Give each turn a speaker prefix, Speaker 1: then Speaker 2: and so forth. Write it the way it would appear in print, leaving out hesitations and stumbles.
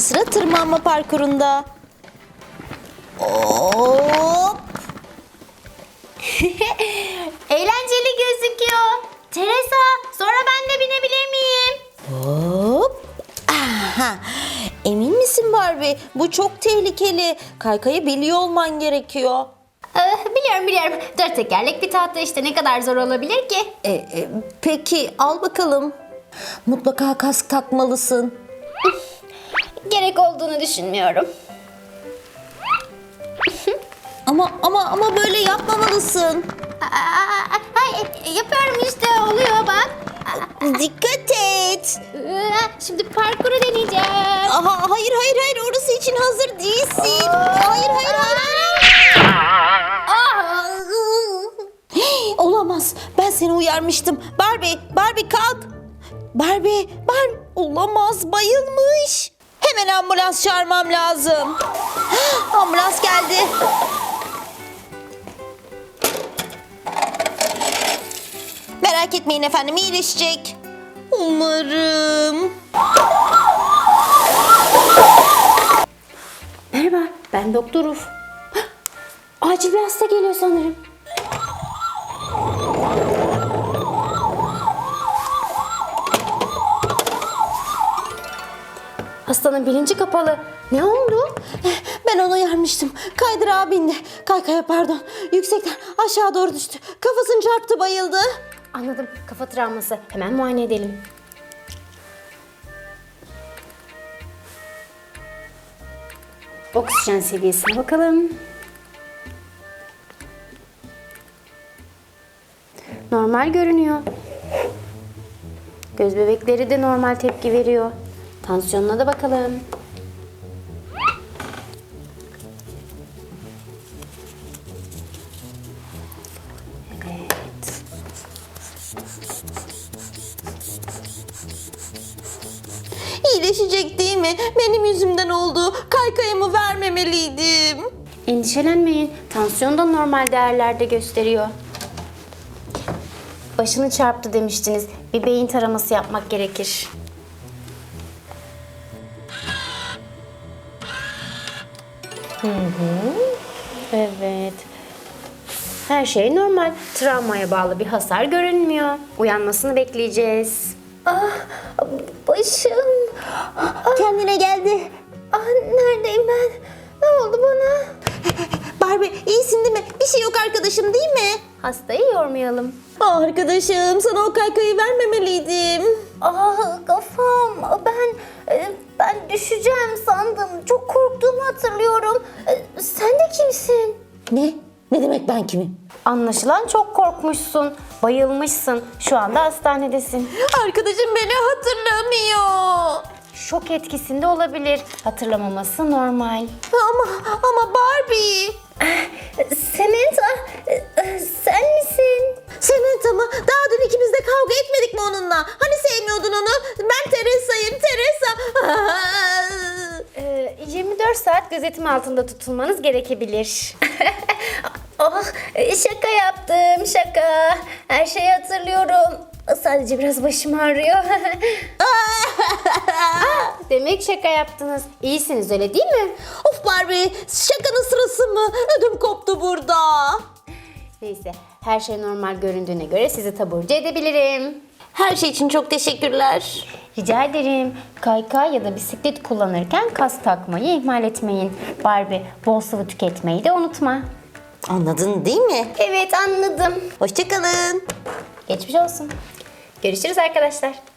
Speaker 1: sıra tırmanma parkurunda. Hop!
Speaker 2: Eğlenceli gözüküyor. Teresa, sonra ben de binebilir miyim?
Speaker 1: Hop! Aha! Emin misin Barbie? Bu çok tehlikeli. Kaykayı biliyor olman gerekiyor.
Speaker 2: Biliyorum. Dört tekerlek bir tahta işte, ne kadar zor olabilir ki?
Speaker 1: Peki al bakalım. Mutlaka kask takmalısın.
Speaker 2: Gerek olduğunu düşünmüyorum.
Speaker 1: Ama böyle yapmamalısın.
Speaker 2: Yapıyorum işte, oluyor bak.
Speaker 1: Dikkat et.
Speaker 2: Şimdi parkuru deneyeceğim.
Speaker 1: Aha, hayır orası için hazır değilsin. Hayır. Hey, olamaz. Ben seni uyarmıştım. Barbie kalk. Barbie. Olamaz, bayılmış. Hemen ambulans çağırmam lazım. Ambulans geldi. Merak etmeyin efendim, iyileşecek. Umarım.
Speaker 2: Merhaba, ben Doktor Uf. Acil bir hasta geliyor sanırım. Hastanın bilinci kapalı. Ne oldu?
Speaker 1: Ben onu uyarmıştım. Kaydırağa bindi. Kaykaya pardon. Yüksekten aşağı doğru düştü. Kafasını çarptı, bayıldı.
Speaker 2: Anladım, kafa travması. Hemen muayene edelim. Oksijen seviyesine bakalım. Normal görünüyor. Göz bebekleri de normal tepki veriyor. Tansiyonuna da bakalım. Evet.
Speaker 1: İyileşecek değil mi? Benim yüzümden oldu. Kaykayımı vermemeliydim.
Speaker 2: Endişelenmeyin. Tansiyon da normal değerlerde gösteriyor. Başını çarptı demiştiniz. Bir beyin taraması yapmak gerekir. Evet. Her şey normal. Travmaya bağlı bir hasar görünmüyor. Uyanmasını bekleyeceğiz. Başım.
Speaker 1: Kendine geldi.
Speaker 2: Neredeyim ben? Ne oldu bana?
Speaker 1: Barbie, iyisin değil mi? Bir şey yok arkadaşım, değil mi?
Speaker 2: Hastayı yormayalım.
Speaker 1: Arkadaşım, sana o kaykayı vermemeliydim.
Speaker 2: Kafam. Ben düşeceğim sandım. Çok korktuğumu hatırlıyorum. Sen de kimsin?
Speaker 1: Ne? Ne demek ben kimim?
Speaker 2: Anlaşılan çok korkmuşsun. Bayılmışsın. Şu anda hastanedesin.
Speaker 1: Arkadaşım beni hatırlamıyor.
Speaker 2: Şok etkisinde olabilir. Hatırlamaması normal.
Speaker 1: Ama Barbie.
Speaker 2: Samantha, sen misin?
Speaker 1: Samantha mı? Daha dün ikimiz de kavga etmedik mi onunla? Hani sevmiyordun onu? Ben Teresa'yım, Teresa.
Speaker 2: 24 saat gözetim altında tutulmanız gerekebilir. Şaka yaptım, şaka. Her şeyi hatırlıyorum. Sadece biraz başım ağrıyor. Demek şaka yaptınız. İyisiniz, öyle değil mi?
Speaker 1: Of Barbie, şakanın sırası mı? Ödüm koptu burada.
Speaker 2: Neyse, her şey normal göründüğüne göre sizi taburcu edebilirim.
Speaker 1: Her şey için çok teşekkürler.
Speaker 2: Rica ederim. Kaykay ya da bisiklet kullanırken kask takmayı ihmal etmeyin. Barbie, bol sıvı tüketmeyi de unutma.
Speaker 1: Anladın değil mi?
Speaker 2: Evet, anladım.
Speaker 1: Hoşça kalın.
Speaker 2: Geçmiş olsun. Görüşürüz arkadaşlar.